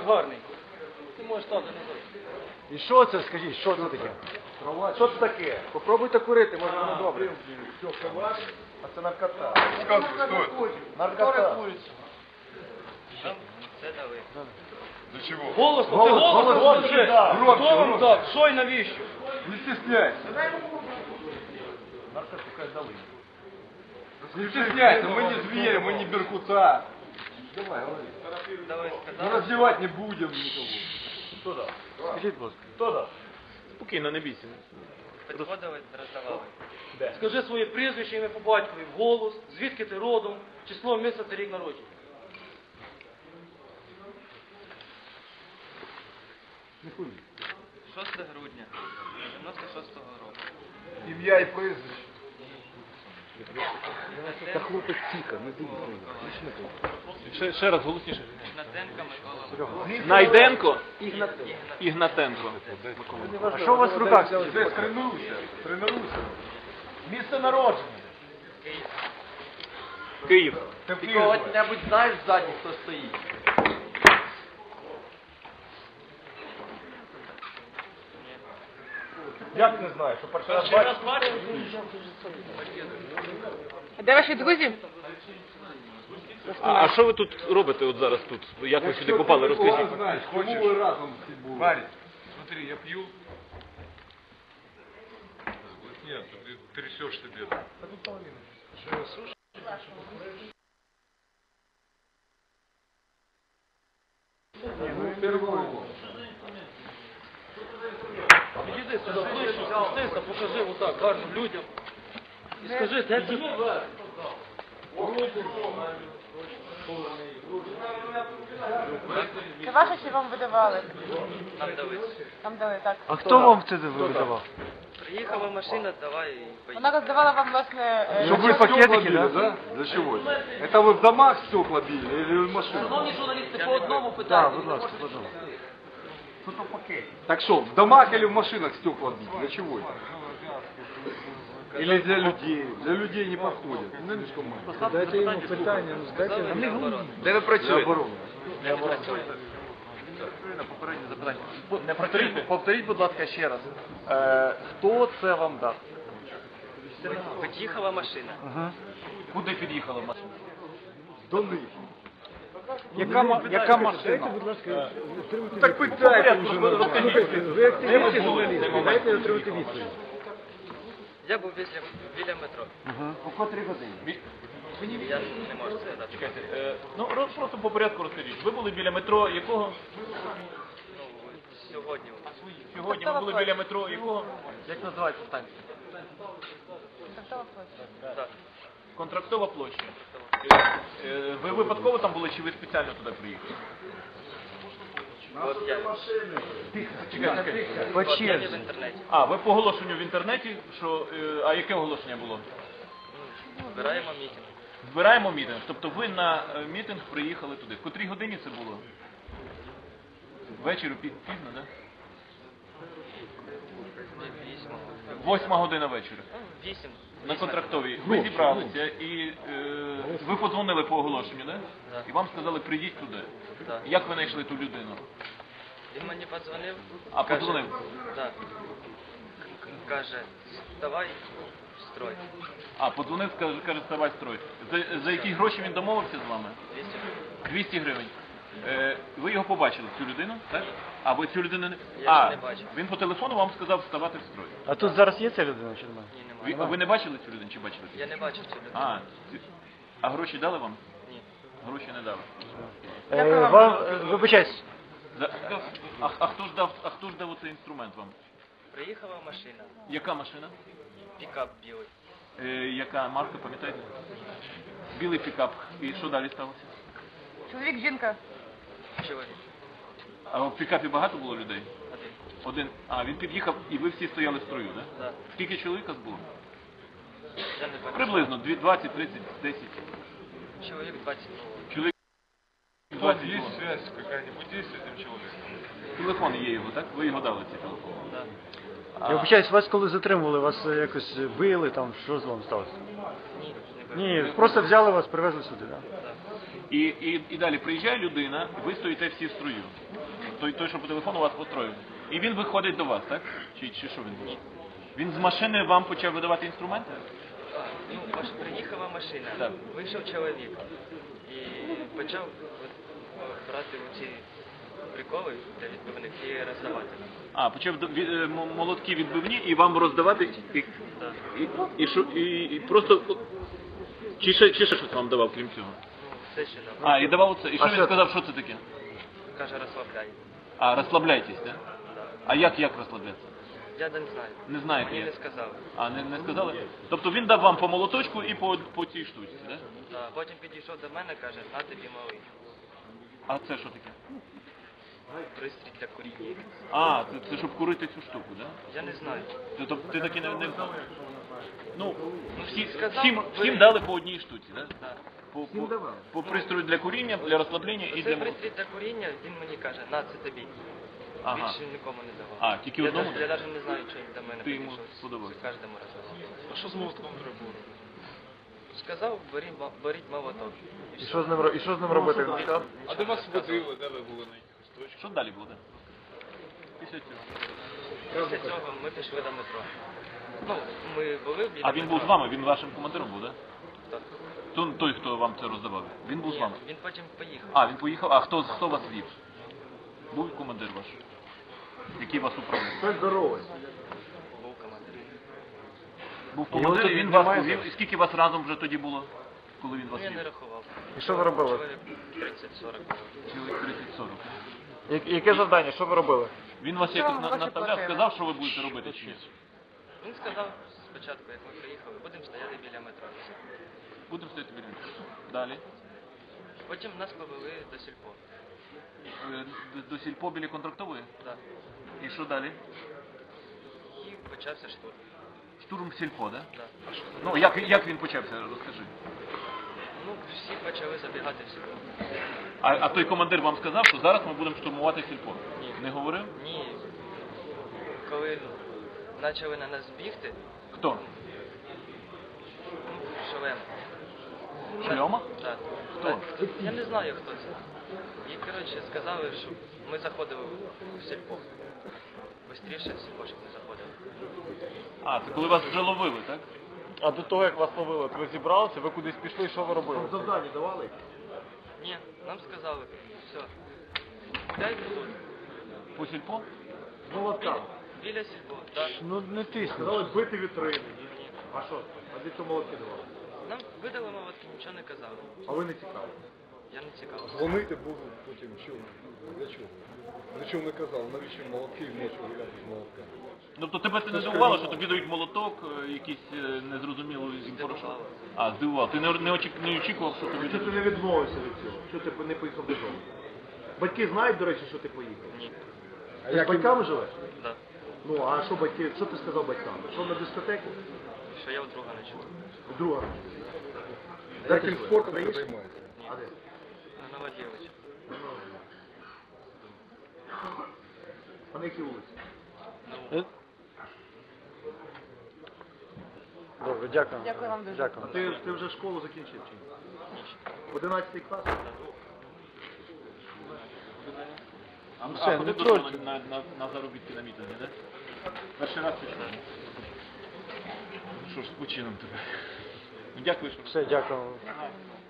гарненько. Ти можеш стати назад. І що це, скажіть, що це таке? Що це таке? Попробуйте курити, може воно добре. А це наркота. Наркота. Це дали. Для чего? Голосно, ти голосно скажи. Хто вам так? Що і навіщо? Не стесняйся. Наркоту дали. Не стесняйся, мы не звери, мы не беркута. Давай, говори. Дали Мы сказали. раздевать не будем никого. Хто дав? Скажіть, будь ласка. Хто дав? Спокійно, не бійся. Підходили, роздавали. Скажи своє прізвище, ім'я по батькові, вголос, звідки ти родом, число, місяць, рік народження. Не хуй. 6 грудня 96-го року. Ім'я і прізвище. Та хлопець тихо, не дивіться. Ще раз голосніше. Ігнатенко Микола. Найденко? Ігнатенко. А що у вас в руках? Десь тренуйся, тренуйся. Місце народження. Київ. Ти в Ти Києві. кого-небудь знаєш ззаді, хто стоїть? Як не знаю, що перший раз бачиш? Де ваші друзі? А що ви тут робите от зараз тут? Як ви сюди попали? Розкажіть. Знаєш, кому ви разом були? Парень, смотри, я пью. Нет, ты трясешь себе. Підійди сюди ближче, спустися, покажи отак гарно людям. І скажи, де ти? Це ваше чи вам видавали? Нам дали. Там дали, так. А хто вам це видавав? Приїхала машина, давай і поїхали. Вона роздавала вам, власне, Чтобы вы пакетики, да? Для чего? Это вы в домах стекла били или в машинах? Шановні журналісти, по одному Так, питанню. будь ласка, будь ласка. Так что, в домах или в машинах стекла бить? Для чего это? Или для людей? Для людей не подходит. Слишком мало. Дайте йому питання, ну здайте нам. Де ви Для працюєте? обороны. Попереднє запитання. Повторіть, будь ласка, ще раз. Хто це вам дав? Під'їхала машина. Куди під'їхала машина? До них. Яка машина? Будь ласка, Так питайте уже. ви активісти журналісти, дайте отримати відповідь. Я був біля метро. У котрій годині? Я не можу це дати. Чекайте, ну просто по порядку розкажіть. Ви були біля метро якого? Ну, сьогодні. Сьогодні ви були біля метро якого? Як називається станція? Так. Контрактова площа. Ви випадково там були чи ви спеціально туди приїхали? От я. Чекайте. По От я в черзі. інтернеті. А, ви по оголошенню в інтернеті, що... А яке оголошення було? Збираємо мітинг. Збираємо мітинг. Тобто ви на мітинг приїхали туди. В котрій годині це було? Ввечері, пізно, так? Да? 8 година вечора. 8. На контрактовій. Ви зібралися і ви подзвонили по оголошенню, да? Так. І вам сказали, прийдіть туди. Так. Як ви знайшли ту людину? Він мені подзвонив. А, каже- подзвонив? Так. Каже, давай в строй. А, подзвонив, каже, ставай строй. За які гроші він домовився з вами? 200 гривень. 200 гривень. Ви його побачили, цю людину, так? А ви цю людину не... Я ж не бачив. Він по телефону вам сказав вставати в строй. А тут зараз є ця людина чи немає? Ні, немає. Ви не бачили цю людину чи бачили? Я не бачив цю людину. А гроші дали вам? Ні. Гроші не дали. Вибачаюсь. А хто ж дав оцей інструмент вам? Приїхала машина. Яка машина? Пікап білий. Яка марка, пам'ятаєте? Білий пікап. І що далі сталося? Чоловік, жінка. Чоловік. А в пікапі багато було людей? Один. Один. А, він під'їхав і ви всі стояли в строю, так? Так. Скільки чоловіка було? Я не бачив. Приблизно 20, 30, 10. Чоловік 20. Чоловік Тут 20 есть було. связь какая-нибудь есть с этим человеком? Телефон є його, так? Ви його дали цей телефон. Так. Я вибачаюсь, вас коли затримували, вас якось били, там, що з вами сталося? Ні, не бачив. Ні, просто взяли вас, привезли сюди, так? І далі приїжджає людина, і ви стоїте всі в строю. той, що по телефону вас построїв. І він виходить до вас, так? Чи що він? Ні. Він з машини вам почав видавати інструменти? Ну, приїхала машина, Так. вийшов чоловік і почав брати ці приколи для відбивних і роздавати. А, почав молотки відбивні і вам роздавати, і просто... Чи ще щось вам давав, крім цього? Ну, все ще дав. А, і давав це. І що він сказав, що це таке? Каже, розслабляй. А, розслабляйтесь, так? Да. А як розслаблятися? Я не знаю. Не знаєте Мені як? не сказали. А, не сказали? Тобто він дав вам по молоточку і по цій штучці, так? Да. Потім підійшов до мене, каже, на тобі малий. А це що таке? Пристрій для куріння. А, це щоб курити цю штуку, так? Я не знаю. Тобто ти таки не... Ну, сказав, всім дали по одній штуці, так? Да. По пристрою для куріння, для розслаблення і Оцей для... пристрій для куріння, він мені каже, на це тобі. Ага. Більше нікому не давав. А, тільки одному? Я навіть не знаю, чи він до мене Ти йому підійшов. сподобався? Кожному роздавав. А що з молотком треба було? Сказав, беріть молоток. І І все. що з ним робити? Він сказав? А де вас водили, де ви були на якихось точках? Що далі буде? Після цього. Після цього ми пішли до метро. Ну, ми були біля А він був з вами, він вашим командиром був, так? Так. Той, хто вам це роздавав, він був з Ні, вами? він потім поїхав. А, він поїхав. А хто вас вів? Був командир ваш? Який вас управляв? Хтось здоровий. Був командир. Був Його командир, тут і він немає вас повів. зараз? І скільки вас разом вже тоді було, коли він Ну, вас я не вів? рахував. І що ви робили? Чоловік 30-40 було. Чоловік 30-40. Яке завдання? Що ви робили? Він вас Що якось вам гроші наставляв, платили? сказав, що ви будете робити чи ні? Він сказав спочатку, як ми приїхали, будемо стояти біля метро. Будемо стояти біля нього. Далі. Потім нас повели до сільпо. До сільпо біля контрактової? Да. І що далі? І почався штурм. Штурм сільпо, так? Да. Ну, як він почався, розкажи. Ну, всі почали забігати в сільпо. А той командир вам сказав, що зараз ми будемо штурмувати сільпо? Ні. Не говорив? Ні. Коли почали на нас бігти, Хто? шолем. Шльома? Так. Хто? Я не знаю, хто це. І, коротше, сказали, що ми заходили в сільпо. Бистріше в сільпо, щоб не заходили. А, це коли вас вже ловили, так? А до того, як вас ловили, ви зібралися, ви кудись пішли, що ви робили? Завдання давали? Ні, нам сказали, все. 5 тут. По сільпо? Молотка. Біля сільпо, так. Ну не тисни. Сказали бити вітрини. Ні. А що? А для чого молотки давали? Нам видали молотки, нічого не казали. А ви не цікаві? Я не цікаво. Дзвонити буду потім, чому? Для чого? Для чого не казав, навіщо молотки вночі гуляти з молотками? Тобто тебе це не здивувало, що тобі дають молоток, якийсь незрозумілий порошок? Здивувало. А, здивувало. Ти не очікував, що тобі Чого ти дадуть? не відмовився від цього? Чого ти не поїхав додому? Батьки знають, до речі, що ти поїхав? Ні. Ти з батьками живеш? Да. Ну, а що батьки, що ти сказав батькам? Що на дискотеку? Що я у друга ночі. Друга. Яким спортом ви займаєтеся? А де? На Новодєвича. А на якій вулиці? Добре, дякую. Дякую вам дуже. Дякую. А ти вже школу закінчив чи ні? 11 клас? А все, ходив не до тройки. на заробітки на мітинги, так? Перший раз пішов. Що ж, з почином тебе. Ну, дякую, що... Все, дякую. Ага.